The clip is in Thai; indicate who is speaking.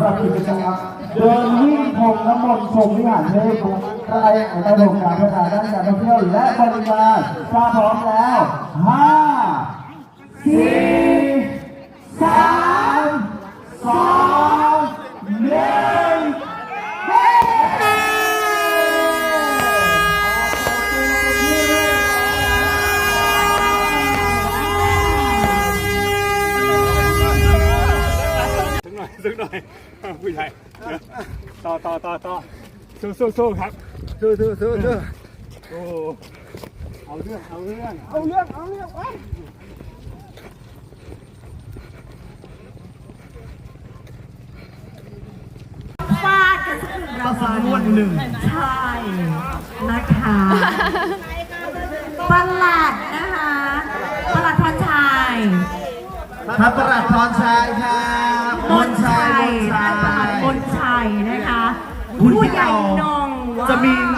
Speaker 1: หรับกิจกรรมเดินวิ่งพรมน้ำมนต์ชมวิหารเทพใกล้ระบบการพัฒนาด้านการท่องเที่ยวและบริการถ้าพร้อมแล้ว5 4 3 2 1
Speaker 2: สักหน่อยผู้ใหญ่ต่อสู้ครับสู้โอ้เอาเรื่องไป
Speaker 3: ฟาดกันสักหนึ่งรางวัลใช่นะคะประหลัดนะคะประหลัดพรชัย
Speaker 1: ท่านประหลัดพรชัยครับมนชัย
Speaker 3: ท่านประหลัดมนชัยนะคะ
Speaker 1: คุณ
Speaker 3: ผู้
Speaker 1: พี่
Speaker 3: ใหญ่
Speaker 1: เต่าน
Speaker 3: ง
Speaker 1: จะมี